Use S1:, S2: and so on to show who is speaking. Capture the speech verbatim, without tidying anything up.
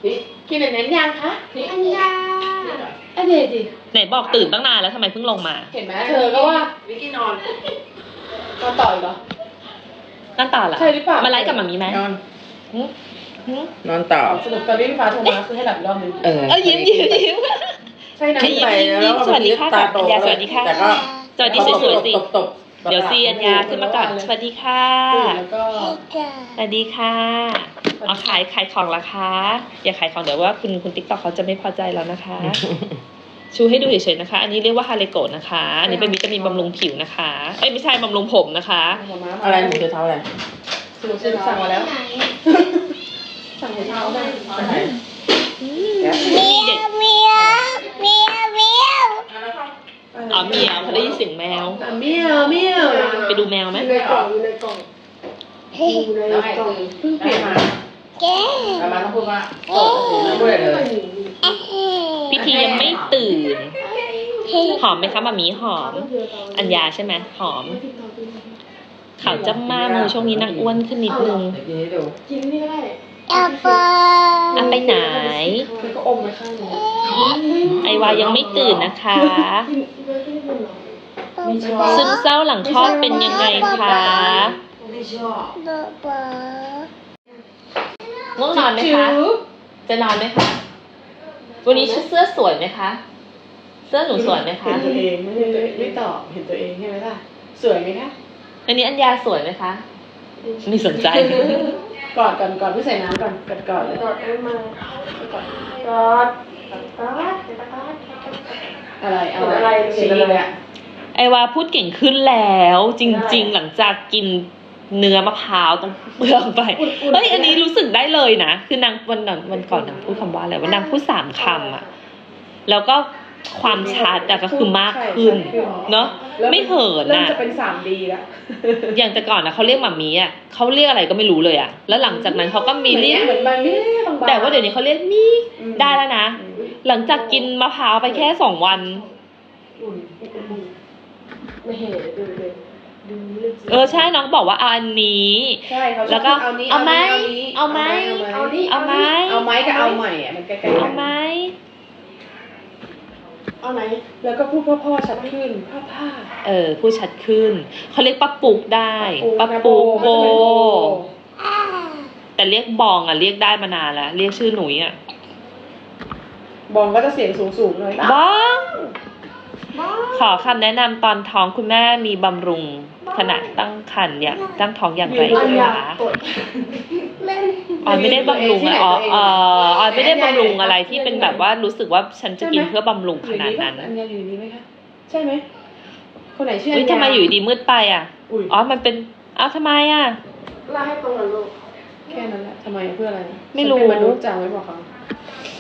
S1: กินแบบนั้นยังคะอันยาอันเดดิไหนบอกตื่นตั้งนานแล้วทำไมเพิ่งลงมา
S2: เห็นไหมเธอก็ว่าวิกกี้นอนนอนต่ออีกเหรอ
S1: นั่นต่อเหรอ
S2: ใช่หรือเปล่า
S1: มาไลฟ์กับหมามีไหม
S3: นอนนอนต่อ
S2: สรุปตอนนี้พี่ฟ้าโทรมาคือให้หลับอีกรอบนึง
S3: เออ
S1: ยิ้มยิ้มยิ้ม
S2: ใช่นะ
S1: ยิ้มยิ้มสวัสดีค่ะอัญญาสวัสดีค่ะสวัสดีสวยๆสิเดี๋ยวซีอัญญาขึ้นมาก่อนสวัสดีค่ะสวัสดีค่ะเอาขายขายของราคาอย่าขายของเดี๋ยวว่าคุณคุณติ๊กต็อกเขาจะไม่พอใจแล้วนะคะชูให้ดูเฉยๆนะคะอันนี้เรียกว่าฮาเลโกะนะคะอันนี้เป็นวิตามินบำรุงผิวนะคะเอ้ยไม่ใช่บำรุงผมนะคะ
S3: อะไรหนูจะเท้าอะไร
S2: สั่งมาแล้วสั่งหัวเท้าได้
S1: มีเด็กเมียวเมียวเมียวอ๋อเมียวเขาได้ยินเสียงแมว
S2: เมียวเมียว
S1: ไปดูแมวไหม
S2: อยู่ในกล่องอยู่ในกล่องอยู่ในกล่องเพิ่งเปลี่ยนมา
S3: แกมาต้องพูดว่าโอ้โหไม่ได้เลย
S1: พี่ทียังไม่ตื่นหอมไหมคะมามีหอมอัญญาใช่ไหมหอมข่าวจ้ำมามือช่วงนี้นักอ้วนขึ้นนิดนึง
S2: กินนี่ก็ได้
S1: อาไปอาไปไหน
S2: ก็อมไปข้างนึง
S1: ไอวายังไม่ตื่นนะคะซึมเศร้าหลังคลอดเป็นยังไงคะง่วงนอนไหมคะจะนอนไหมคะวันนี้ชุดเสื้อสวยไหมคะเสื้อหนูสวยไหมคะ
S2: เห็นตัวเองไม่ไม่ตอบเห็นตัวเองใช่ไหมล่ะสวยไหมคะ
S1: อันนี้อัญญาสวยไหมคะไม่สนใจ
S2: กอดก่อนก่อนพี่ใส่น้ำก่อนกอดก่อนเลยกอดมากอดกอดกอดอะไรอะไรสีอะไรอะ
S1: ไอวาพูดเก่งขึ้นแล้วจริงๆหลังจากกินเนื้อมะพร้าวต้องเปลืองไปเฮ้ยอันนี้รู้สึกได้เลยนะคือนางวันนั้นวันก่อนนางพูดคำว่าอะไรว่านางพูดสามคำอ่ะแล้วก็ความชัดก็คือมากขึ้นเนาะไม่เหิน
S2: นะเริ่มจะเป็นสามดีแล้ว
S1: อย่างแต่ก่อนนะเขาเรียกหม่ามีอ่ะเขาเรียกอะไรก็ไม่รู้เลยอ่ะแล้วหลังจากนั้นเขาก็มีเรียก
S2: เหมือนมันไม่
S1: แต่ว่าเดี๋ยวนี้เขาเรียกนี่ได้แล้วนะหลังจากกินมะพร้าวไปแค่สองวัน
S2: ไม่เห็นดูเลย
S1: เออใช่น้องบอกว่าเอาอันนี้
S2: ใช่เขา
S1: แล้วก็เอาไหมเอาไหม
S2: เอาไหม
S1: เอาไหม
S2: เอาไหมกับเอาใหม่อ่ะมันใกล้ๆ
S1: เอาไหม
S2: เอาไหนแล้วก็พูดพ่อๆชัดขึ้นพ่อพ่า
S1: เออพูดชัดขึ้นเขาเรียกป้าปุกได้ป้าปุกโบแต่เรียกบองอ่ะเรียกได้มานานแล้วเรียกชื่อหนุ่ยอ่ะ
S2: บองก็จะเสียงสูงๆเลย
S1: บองขอคำแนะนำตอนท้องคุณแม่มีบำรุงขณะตั้งครรภ์อย่างตั้งท้องอย่างไรคะออยไม่ได้บำรุงอ่ะอ๋อเออออยไม่ได้บำรุงอะไรที่เป็นแบบว่ารู้สึกว่าฉันจะกินเพื่อบำรุงขนาดนั้น
S2: อันนี้อยู่นี่ไหมคะใช่ไหมคนไหนชื่อ
S1: อันนี้ทำไมอยู่ดีมืดไปอ่ะอ๋อมันเป็นอ้าวทำไมอ่ะ
S2: ล่าให้ตรงกับลูกแค่นั้นแหละทำไมเพื่ออะไร
S1: ไม่รู้
S2: มนุษย์จังไว้บอกเขา